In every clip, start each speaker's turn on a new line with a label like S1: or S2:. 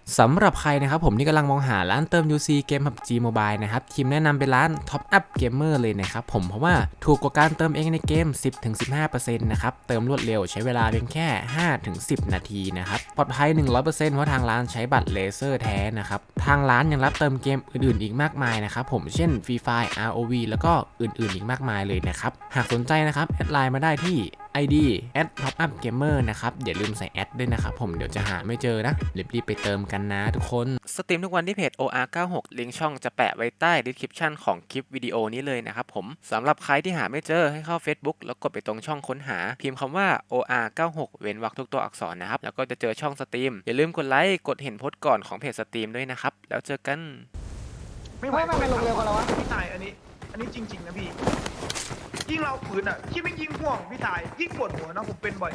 S1: สำหรับใครนะครับผมที่กำลังมองหาร้านเติม UC เกม PUBG Mobile นะครับทีมแนะนำเป็นร้าน Top Up Gamer เลยนะครับผมเพราะว่าถูกกว่าการเติมเองในเกม 10-15% นะครับเติมรวดเร็วใช้เวลาเพียงแค่ 5-10 นาทีนะครับปลอดภัย 100% เพราะทางร้านใช้บัตรเลเซอร์แท้นะครับทางร้านยังรับเติมเกมอื่นๆอีกมากมายนะครับผมเช่น Free Fire ROV แล้วก็อื่นๆอีกมากมายเลยนะครับหากสนใจนะครับแอดไลน์มาได้ที่ ID @topupgamer นะครับอย่าลืมใส่แอดด้วยนะครับผมเดี๋ยวจะหาไม่เจอนะรีบๆไปเติมกันนะทุกคนสตรีมทุกวันที่เพจ OR96 ลิงก์ช่องจะแปะไว้ใต้ description ของคลิปวิดีโอนี้เลยนะครับผมสำหรับใครที่หาไม่เจอให้เข้า Facebook แล้วกดไปตรงช่องค้นหาพิมพ์คำว่า OR96 เว้นวรรคทุกตัวอักษรนะครับแล้วก็จะเจอช่องสตรีมอย่าลืมกดไลค์กดเห็นโพสต์ก่อนของเพจสตรีมด้วยนะครับแล้วเจอกัน
S2: ไม่ไหว
S3: ไม่ลงเร็วกว่าเราวะ
S2: พี่ตายอันนี้จริงๆนะพี่ยิ่งเราฝืนอ่ะคิดไม่ยิ่งห่วงพี่ตายยิ่งปวดหัวนะผมเป็นบ่อย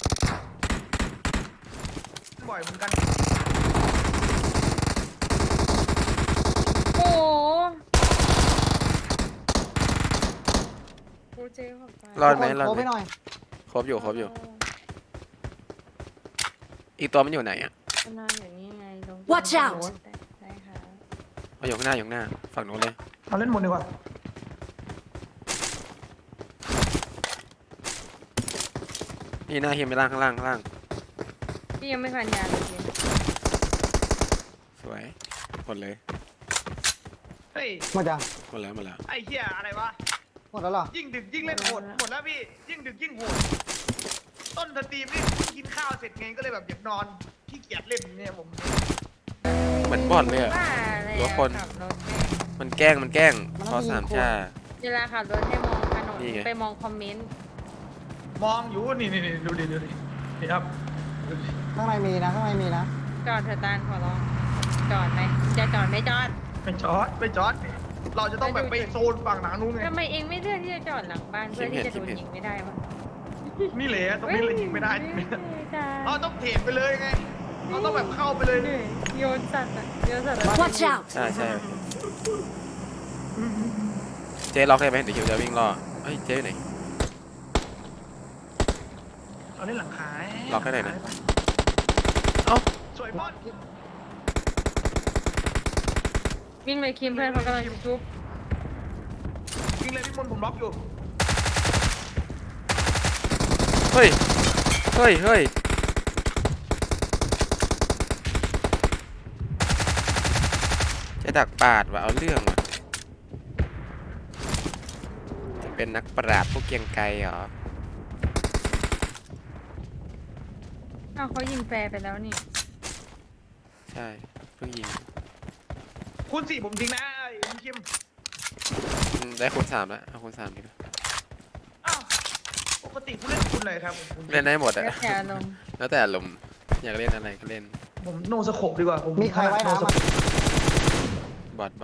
S2: เหมือนกัน
S4: โอ้โหโปรเจกต์ของใจ
S1: รอดไหมรอด
S3: โทร
S1: ไหม
S3: ไปหน่อย
S1: ครบอยู่อีกตัวมันอยู่ไหนอ่ะ
S4: ประมาณอย่างนี้ไงลง
S5: Watch out
S4: ได้ค่ะ
S1: เอาอยู่ข้างหน้าฝั่งนู้นเลย
S2: เอาเล่นหมดดีกว่า
S1: นี่หน้าเฮียไม่ล่างข้างล่าง
S4: พี่ยังไม่พันยาเลยพี่
S1: สวยหมดเลย
S2: เฮ้ย
S3: หมดยัง
S1: หมดแล้ว
S2: ไอ้เหี้ยอะไรวะ
S3: หมดแล้วเหรอ
S2: ยิ่งดึกยิ่งเล่นโหดหมดแล้วพี่ยิ่งดึกยิ่งโหดต้นสตรีมนี่กินข้าวเสร็จไงก็เลยแบบอยากนอนขี้เกียจเล่นเนี่ยผม
S1: เหมือนบอลเลยอ่ะ
S4: ว่าอะไร
S1: หรือว่าคน
S4: ขับรถ
S1: มันแกล้งพอสามชา
S4: เวลาขับรถให้มองถนน
S1: นี่ไง
S4: ไปมองคอมเมนต์
S2: มองอยู่นี่ดูดินี่ครับดูดิ
S3: ข้างในมีนะข้างในมีนะ
S4: จอดเถอะตาลขอร้องจอดไหมจะจอดไม่จอด
S2: ไม่จอดนี่เราจะต้องแบบไปโซนฝั่งหนังนู้นไง
S4: ทำไมเองไม่เลือกที่จะจอดหลังบ้านเพื่อที่จะโดนยิงไม่ได้วะ
S2: นี่แหละตรงนี้เลยยิงไม่ได้ เราต้องเทรดไปเลยไงเราต้องแบบเข้าไปเลย
S4: โยนสัตว์อะโยนสัตว์
S5: Watch out!
S1: ใช่เจ๊ล็อกได้ไหมเดี๋ยวคิวจะวิ่งรอเฮ้ยเจ๊อยู่ไหน
S2: เราเล่นหลังขาย
S1: ล็อกให้หน่อยนะ เอ้า
S2: สวยบอล
S4: วิ่งไปคิมเพื่อนเขากำลังชุบ
S2: ยิงเลยพี่มนต์ผมล็อกอยู่
S1: เฮ้ยจะดักปาดว่ะเอาเรื่องว่ะจะเป็นนักปราบผู้เกรียงไกรเหรอ
S4: อ้าวเขายิงแฟร์ไปแล้วนี่
S1: ใช่เพิ่งยิง
S2: คุณสี่ผมทิ้งนะไอ้คุณคิม
S1: ได้คูณ3แล้วเอาคูณ3ดีกว่า
S2: อ้าวปกติคุณเล่นคุณเลยครับผม
S1: เล่นได้หมดอะ
S4: แล้วแต่อารมณ์
S1: แล้วแต่อารมณ์อยากเล่นอะไรก็เล่น
S2: ผมโนสโคปดีกว่าผม
S3: มีใครไว้น้ำ
S2: โส
S3: อ่ะ
S1: บอท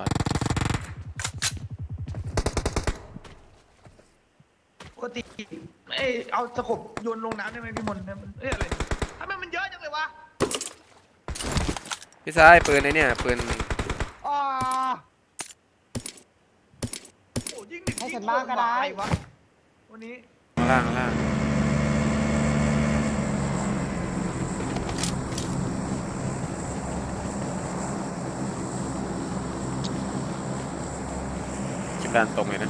S2: ปกติเอ้ยเอาสโคปโยนลงน้ำได้ไหมพี่มนต์เนี่ยมันเอ้ยอะไรทำไมมันเยอะจังเลยวะ
S1: พี่ชายปืนไอ้เนี่ยปืน
S3: อ๋อ
S2: โอ้ยิ่งหนึ่ง
S3: ให้
S2: ยิ่
S3: ฉั
S2: ง
S3: น
S2: โห
S3: บ้าง
S2: ด
S3: ก็ได้
S2: อะไรวะวันนี้
S1: ข้างล่างคิดการตรงเลยนะ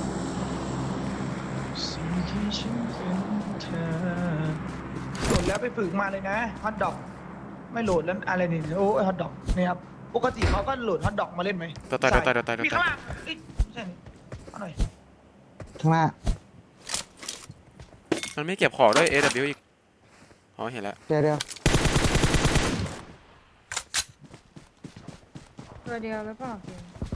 S2: สิ่งที่ฉันเป็นเธอโหลดแล้วไปฝึกมาเลยนะฮอตดอกไม่โหลดแล้วอะไรนี่โอ้ฮอตดอกนี่ครับปกติเขาก็โหลดฮอตดอกมาเล่นไหม
S1: ต่อย
S2: ใช่มีข้างล่างเอ้ยไม่ใช่นี่เอาหน่อย
S3: ข้างหน้า
S1: มันไม่เก็บของด้วย AW อีกอ๋อเห็นแล้ว
S3: เดี๋ยว
S4: ตัวเดียวหรือเปล่าพี่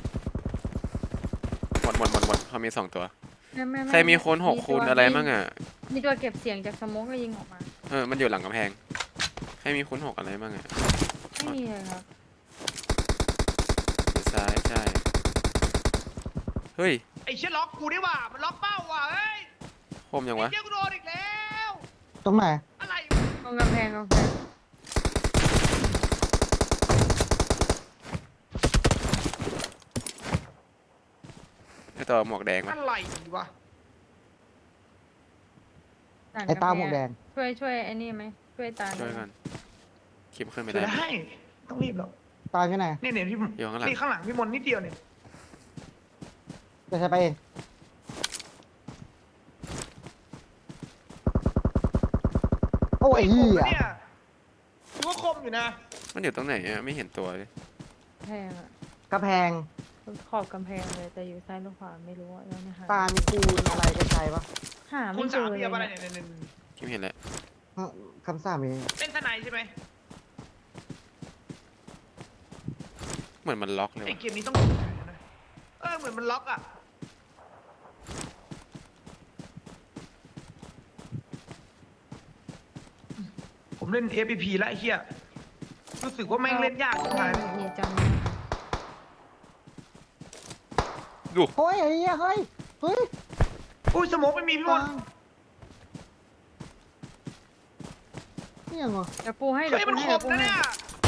S1: หมดเขามี2ตัว
S4: ไม่
S1: ใครมีคูณ6คูณอะไรมั่งอ่ะ
S4: มีตัวเก็บเสียงจากสโมกก็ยิงออกมา
S1: มันอยู่หลังกำแพงใครมีคูณ6อะไรมั่งอ่ะ
S4: ไม่มีเลยครับ
S1: อยู่ซ้ายใช่เฮ้ย
S2: ไอ้เชี่ยล็อกกูนี่หว่ามันล็อกเป้าว่ะเฮ้ย
S1: คมยังวะ
S2: ไอ้เชี่ยกูโดนอีกแล้ว
S3: ตรงไหน
S2: อะไร
S4: ตรงกำแพง
S1: ไอตัวหมวกแดงวะ
S2: อะไรวะ
S4: หลัง
S3: ไอ้ตาหม
S4: กำ
S3: วก
S4: แพ
S3: แด
S4: ง
S3: ง
S4: ช่วยไอ้นี่ไหมช่วยตา
S1: ช่วยกันคิมขึ้นไม่
S2: จะ
S1: ได้
S2: ได้ต้องรีบหรอก
S3: ตายที่ไหน
S2: เนี่ยพี่
S1: อยู่ข้างหลัง
S2: นี่ข้างหลังพี่มนนิดเดียวเนี่ย
S3: จะใช้ไปเองโอ้ไอ้
S2: ค
S3: เหี้
S2: ม
S3: ย
S2: นะเนี่ยถือว่าคมอยู่นะ
S1: มันอยู่ตรงไหนอะไม่เห็นตัวเลย
S4: แพงอ่ะ
S3: กระแพง
S4: ขอบกำแพงเลยแต่อยู่ซ้ายหรือขวาไม่รู้อ่ะแล้วเนี่ยหา
S3: ตามีคูณอะไรก็ใช้ปะ
S4: หา
S2: คุ
S4: ไม่
S2: ณ
S4: เจ
S2: สาม
S4: อเล
S2: เพียบอะไร
S4: ย
S2: เนี่ยเนี่ย
S1: คิมเห็นแล้ว
S3: คำสาปมี
S2: เล่นทนายใช่ไหม
S1: เหมือนมันล็อกเลย
S2: ไอ
S1: ว่ะ
S2: เกมนี้ต้องนะเหมือนมันล็อกอ่ะผมเล่น FPP แล้วไอ้เหี้ยรู้สึกว่าแม่งเล่นยากจังเลย
S4: เฮียจำ
S1: ดู
S3: เฮ้ยไอ้เหี้ยเฮ้ยเฮ้ย
S2: อุ้ยสโมกไม่มีพี่ม
S3: ตาน นี่ยังไง
S4: เดี๋ยวปูให้เดี๋ย
S2: เฮ้
S4: วย ปู
S2: มัน
S4: ให้
S2: ค
S4: เดี๋ย
S2: ม
S4: วปู
S2: นะ
S4: ให้
S2: เนี่ย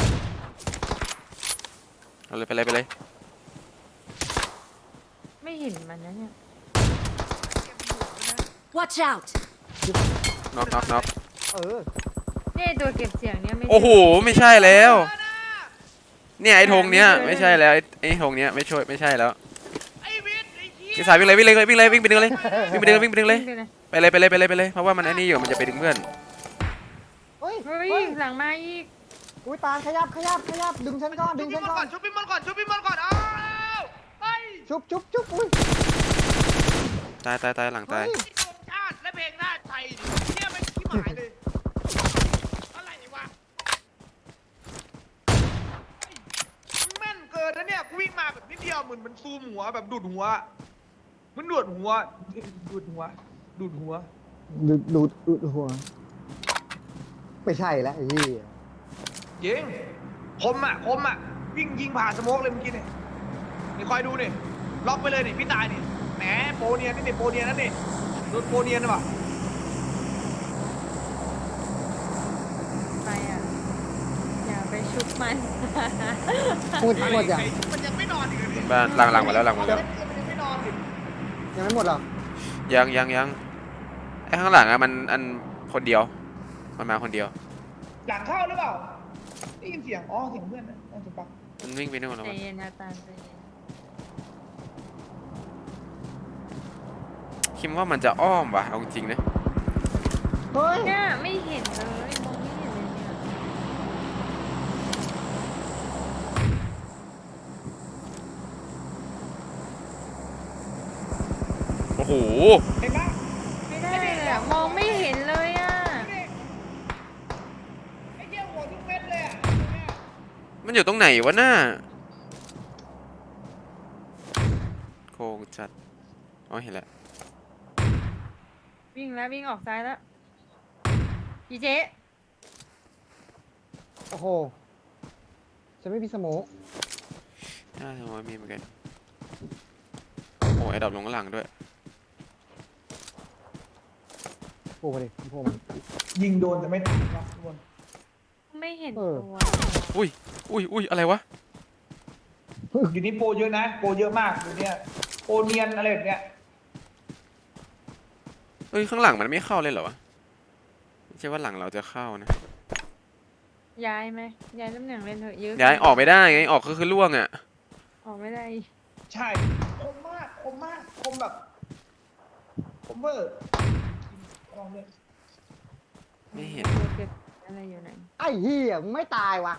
S1: เอาเลยไปเลยไปเลย
S4: ไม่เห็นมันนะเนี่ย
S5: Watch out!
S1: น็อกน็อกน็อก
S3: เออ
S4: เนี่ยตัวเก็บเสียงเนี่ยไม่
S1: โอ้โหไม่ใช่แล้ว เนี่ยไอ้ธงเนี้ย
S4: ไม่
S1: ไม่
S4: ใช่
S1: ใช่แล้วไอ้ธงเนี้ยไม่ช่วยไม่ใช่แล้ว
S2: ไอ้วิทย์ไอ้เหี้ย
S1: พี่สายวิ่งเลยวิ่งเลยวิ่งเลยวิ่งไปดึงเลยวิ่งไปดึงวิ่งไปดึงเลย
S4: วิ่งไปเลย
S1: ไปเลยไปเลยไปเลยไปเลยเพราะว่ามันไอ้นี่อยู่มันจะไปดึงเพื่อน
S3: เฮ้ย
S4: เฮ้
S3: เฮ้
S4: ย
S3: ย
S4: หลังมาอีก
S3: อุ้ยตาขยับขยับขยับดึงฉันก่อนดึ
S2: ชุบ
S3: ง
S2: พี่
S3: ฉัน
S2: มน
S3: ก่
S2: ก่
S3: อ
S2: อน นชุบพี่มนก่อนชุบพี่มนก่อนอ้าวเฮ้ย
S3: ชุบชุบชุบอุ้ย
S1: ตายตายตายหลังตาย
S3: เฮ้ย
S2: ไอ้โดนชาติและเพลงหน้าไทยดิเนี่ยมันขี้หมายเลยอะไรวะเฮ้ยมึงแม่นเกินนะเนี่ยกูวิ่งมาแบบนิดเดียวเหมือนมันซูมหัวแบบดูดหัวมันดูดหัวดูดหัวดูดหัว
S3: ดูดหัวไม่ใช่แล้วไอ้เหี้ย
S2: ยิงคมอ่ะวิ่งยิงผ่าสโมกเลยเมื่อกี้เนี่ยนี่คอยดูนี่ล็อกไปเลยนี่พี่ตายนี่แหมโปรเนียนนี่โปรเนียนนั่นนี่โดนโปรเนียนหรือเปล่า
S4: ไปอ่ะอย่าไปชุบมัน
S3: หมดหมดยัง
S2: มันยังไม่นอนอีกเลย
S1: บ้านหลังมาแล้วหลังมาแล้ว
S2: มันยังไม่นอนอีก
S3: ยังไม่หมดหรอ
S1: ยังไอ้ข้างหลังอะมันอันคนเดียวมันมาคนเดียว
S2: หลังเข้าหรือเปล่าได้ยินเสียงอ๋อเสียงเพื่อนนะน่าจะปัก
S1: มันวิ่งไปนู่นแล้ว
S4: ใจ
S1: วะ
S4: เย็นนะตาลใจเย็น
S1: คิดว่ามันจะอ้อมว่ะเอาจริงๆนะ
S3: เฮ้ย
S4: เนี่ยไม่เห็นเลยมองไม่เห็นเลยเนี่ย
S1: โอ้โห
S2: เห็นปะ
S4: ไม่ได้เลยอะมองไม่เห็นเลยอ่ะ
S2: ไอ้เหี้ยหัวทุกเม็ดเลยอ่ะ
S1: มันอยู่ตรงไหนวะหน้าโคงจัดอ๋อเห็นแล้ว
S4: วิ่งแล้ววิ่งออกซ้ายแล้วอีเจ๊
S3: โอ้โหฉันไม่มีสโมก
S1: น่าจะว่ามีเหมือนกันโอ้ไอ้ดอกลงข้างหลังด้วย
S3: โผล่มาดิโผล่มา
S2: ยิงโดนแต่ไม่ตายนะทุกคน
S4: ไม่เห็น
S3: เออ
S4: ตัว
S1: อุ้ยอะไรวะ
S2: อยู่นี่โปรเยอะนะโปรเยอะมากอยู่เนี่ยโปรเนียนอะไรแบบเนี้ย
S1: เอ้ยข้างหลังมันไม่เข้าเลยเหรอวะไม่ใช่ว่าหลังเราจะเข้านะ
S4: ย้ายไหมย้ายตำแหน่งเล่นเถอะเยอะ
S1: ย้ายออกไม่ได้ไงออกก็คือล่วงอ่ะ
S4: ออกไม่ได้
S2: ใช่คมมากคมมากคมแบบคมเวอร์ลองเลย
S1: ไม่เห็น
S4: ตัวเก็บอะไรอยู่ไหน
S3: ไอ้เหี้ยมึงไม่ตายวะ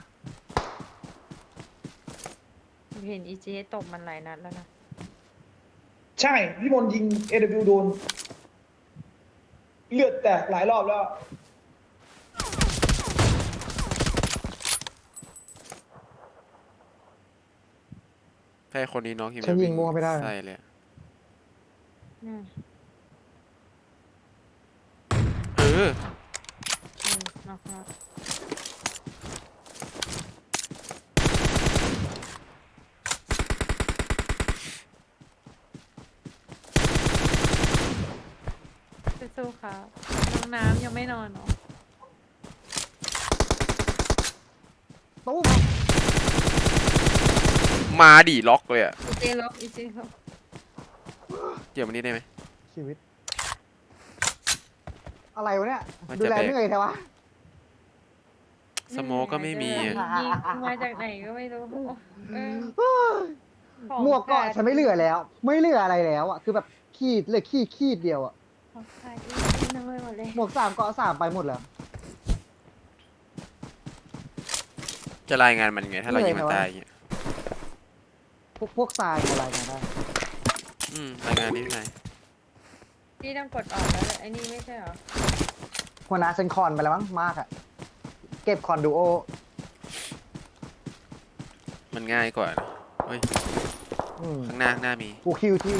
S4: เห็นอีเจ๊ตบมันหลายนัดแล้วนะ
S2: ใช่พี่มนต์ยิง AW โดนเลือดแตกหลายรอบแล้ว
S1: ใช่คนนี้น้องคิม
S3: ฉันยิงมัวไม่ได้
S1: ใช่เลยอะ
S4: เนี่ย
S1: เออ
S4: นอกแล้วสู้ๆครับน้องน้ำยังไม่นอนเหรอ
S3: ตู้ม
S1: มาดิล็อกเลยอ่ะ
S4: อีเจ๊ล็อกอีเจ๊ล็อก
S1: เกี่ยวมันนี่ได้ไหม
S3: ชีวิต อะไรวะเนี่ย
S1: มัน
S3: ดู
S1: จะ
S3: แล
S1: แบก
S3: เหนื่อยแต่วะ
S1: สโมกก็ไม่มี
S4: ยิ
S1: อะ
S4: งมาจากไหนก็ไม่รู้ของ
S3: หมวกเกาะ
S4: ขาด
S3: ฉันไม่เหลือแล้ว ไม่เหลืออะไรแล้วอ่ะคือแบบขีดเหลยขีดเดียวอ่ะ
S4: ของขาดอีกน้อยหมดเลย
S3: หมวก3เกาะ3ไปหมดแล้ว
S1: จะรายงานมันไงถ้าเรายิงมันตายอย่างเงี้ย
S3: พวกทรายอะไรมาได้
S1: รายงานนี้ไง
S4: พี่ต้องกดออกแล้วเลยไอ้นี่ไม่ใช่เหรอ
S3: หัวหน้าเซนคอนไปแล้วมั้งมากอ่ะเก็บคอนดูโอ
S1: มันง่ายกว่านะเฮ้ย
S3: อืม
S1: ข้างหน้ามี
S3: กูคิวที่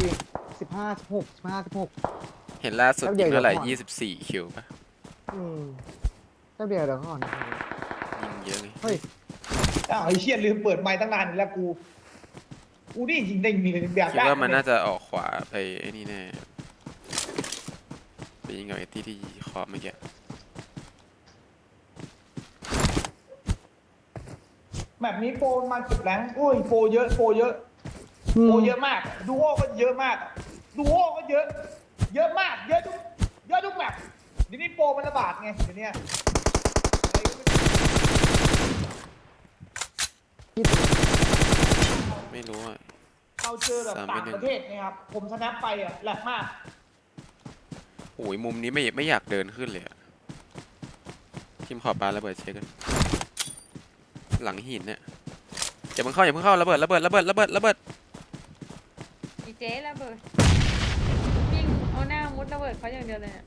S3: 15 16
S1: เห็นล่าสุด
S3: แล้วเดี๋
S1: ยิ
S3: ยว
S1: งเท่าไหร่
S3: เดี๋ยวก่อน
S1: 24 คิวปะ
S3: อืมแป๊บเดียวก่อน
S1: ยิงเยอะเลย
S3: เฮ้ย
S2: อ้าวไอ้เชี่ยลืมเปิดไมค์ตั้งนานแล้วกูนี่ยิงได้มีแบบ
S1: คิดว่ามันน่าจะออกขวาไปไอ้นี่แน่ไปยิงกับไอ้ที่ขอบเมื่อกี้
S2: แบบนี้โปรมาเก็บแรงอุ้ยโปรเยอะโปรเยอะโปรเยอะมากดูโอก็เยอะมากดูโอก็เยอะ เยอะมากเยอะทุกแบบเดี๋ยวนี้โปรมันระบาดไงเดี๋ยวนี้
S1: ไม่รู้อ่ะ
S2: เราเจอแบบต่างประเทศนะครับผมชนะไปอ่ะแหลกมาก
S1: โอ้ยมุมนี้ไม่อยากเดินขึ้นเลยอะทีมขอปาระเบิดเช็คกันหลังหินเนี่ยอย่าเพิ่งเข้าระเบิด
S4: อีเจ๊ระเบิดวิ่งเอาหน้ามุดระเบิดเขาอย่างเดียวเลยเนี่ย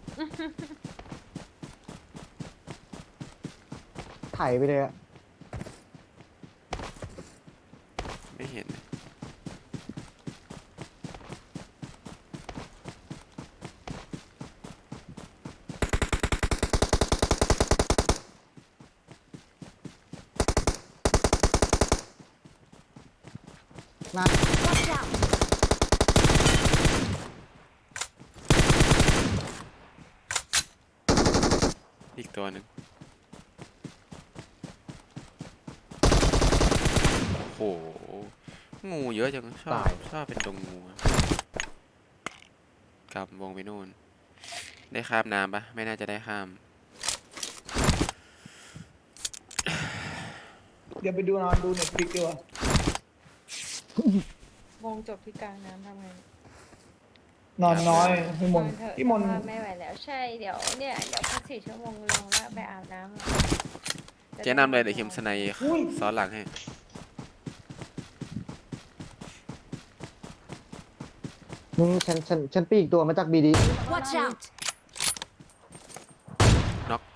S3: ไถไปเลยอะ
S1: ไม่เห็น
S3: นะ
S5: Watch out!
S1: อีกตัวหนึ่งโอ้โหงูเยอะจังชอบเป็นดงงูอะกลับวงไปนู่นได้ข้ามน้ำปะไม่น่าจะได้ข้าม
S2: เดี๋ยวไปดูนอนดูเน็ตฟลิกดีกว่าว
S4: งจบที่กลางน้ำทำไง
S2: นอนน้อยพี่มน
S4: เถอะ
S2: พี่มน
S4: สภาพไม่ไหวแล้วใช่เดี๋ยวพัก4 ชั่วโมงลงแล้วไปอาบน้ำ
S1: เจ๊นำเลยเดี๋ยวคิมสไนซ้อนหลังให้
S3: ฉันปีกตัวมาจากบีดี
S5: Watch out!
S1: น็อก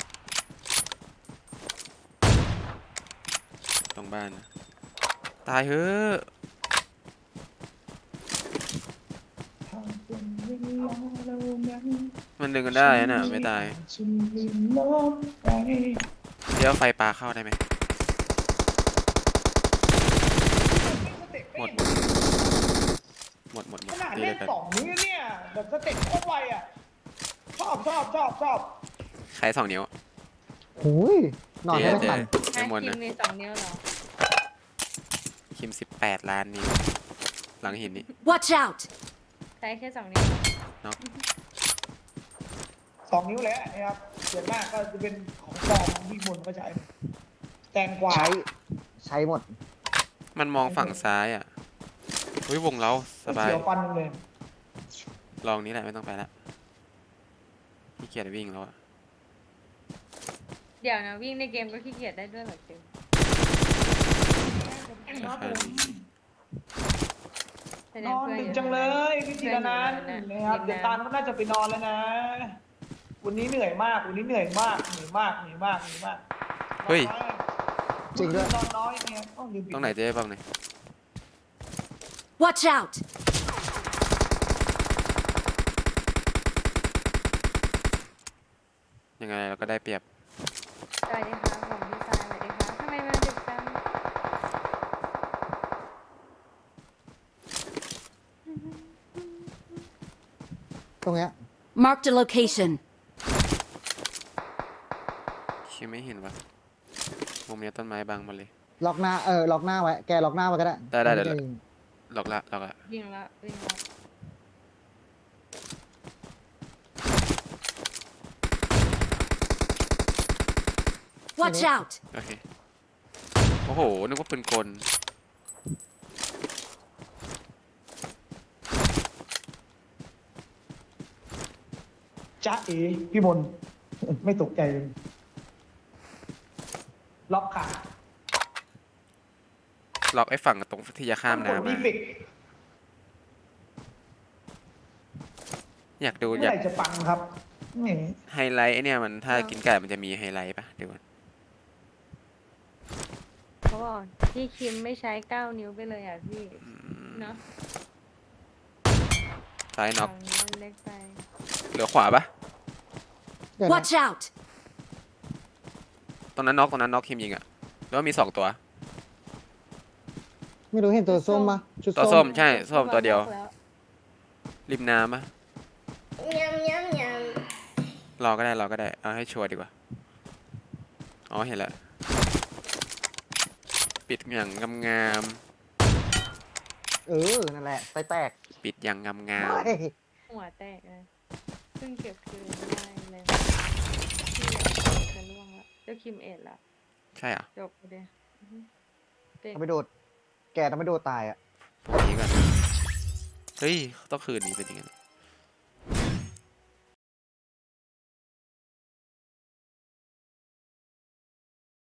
S1: ตรงบ้านนะตายเฮ้อะมันดึงกันได้นะไม่ตายเดี๋ยวไฟปลาเข้าได้ไหมหมด
S2: ขนาด
S1: ตี
S2: เล่
S1: เลยกัน
S2: น2 นิ้วเนี่ยแบบสเต็ปโคตรไวอ่ะชอบ
S1: ใช้2 นิ้ว
S3: หูยนอนไม่ทัน
S1: ไอ้มน
S4: คิ
S1: นะ
S4: มมี2 นิ้วเหรอ
S1: คิม18 ล้านนิ้วหลังหินนี่
S5: Watch out!
S4: ใช้แค่2 นิ้ว
S1: น็อก
S2: 2 นิ้วแล้วนะครับส่วนมากก็จะเป็นของปลอมพี่มนก็ใช้แตงกวา
S3: ใช้หมด
S1: มันมองฝั่งซ้ายอ่ะอุ้ยวงเราสบาย
S2: เสียวฟันเลย
S1: ลองนี้แหละไม่ต้องไปละขี้เกียจวิ่งแล้วอะ
S4: เดี๋ยวนะวิ่งในเกมก็ขี้เกียจได้ด้วยเหรอเจม
S2: ครับผม
S4: แสด
S2: น
S4: ง
S2: อน
S4: เพื่อน
S2: ดึ
S4: อก ยู่
S2: จังเลยพี่ธีรนันท์
S4: เพื่อนอยู่
S2: นะครับ
S4: นะ
S2: เดี๋ยวตาลก็น่าจะไปนอนแล้วนะ วันนี้เหนื่อยมากนอนน้อย
S1: เฮ้ย
S3: จริงด้วย
S2: นอนน้อยเนี่ยต้องลืมปิด
S1: ตรงไหนเจ๊บ้างเนี่ย
S5: Watch out!
S1: ยังไงเราก็ได้เปรียบ
S4: สวัสดีครับผมพี่สายสวัสดีครับทำไมมาดึกจัง
S3: ตรงเนี้ย
S5: Marked a location.
S1: คิดไม่เห็นวะมุมเนี้ยต้นไม้บังหมาเลย
S3: ล็อกหน้าล็อกหน้าไว้แกล็อกหน้าไว้ก็ได้
S1: ได้เดี๋ยว หลอกละ
S4: วิ่งละ
S5: Watch Watch out!
S6: โอเค โอ้โห นึกว่าปืนกล
S2: จ๊ะเอ๋พี่มนต์ ไม่ตกใจเลยล็อกขา
S6: ล็อกไอ้ฝั่งตรงที่จะข้าม
S2: กด
S6: น้ำ
S2: ดี
S6: มา
S2: เฟก
S6: อยากดู
S2: เมื่
S6: อยา
S2: อก ไหร่จะปังครับนี่
S6: ไฮไลท์ไอ้เนี่ยมันถ้ากินไก่มันจะมีไฮไลท์ปะเดี๋ยวก่อน
S4: เขาบอกพี่คิมไม่ใช้ 9 นิ้วไปเลยอ่ะพี่ เนอะ
S6: ซ้ายน็อก
S4: ฝั่งนี้มันเล็กไป
S6: เหลือขวาปะ
S3: เดี๋ยวนะ
S5: Watch out!
S6: ตรงนั้นน็อกคิมยิงอะแล้วามี2ตัว
S3: ไม่รู้เห็นตัวส้มปะชุด
S6: ตัวส้
S3: ส้
S6: ม
S3: ม
S6: ใช่ส้มตัวเดียว
S4: แล้ว
S6: ริมน้ำปะรอก็ได้เอาให้ชัวร์ดีกว่า อ๋อเห็นแล้ว ปิดอย่างงาม
S3: นั่นแหละไฟแตก
S6: ๆปิดอย่างงาม
S3: เฮ้ย
S4: หัวแตกเลยเพิ่งเก็บคืนได้เลยที่เหลือจะล่วงละเจ้าคิมเอ็ดละ
S6: ๆใช่เหรอ
S4: จบไปเลยอือฮึเด็ก
S3: ทำไม่โดด แกทำไม่โดดตายอ่ะ
S6: พวกนี้ก่อนเฮ้ยต้องคืนนี้เป็นยังไง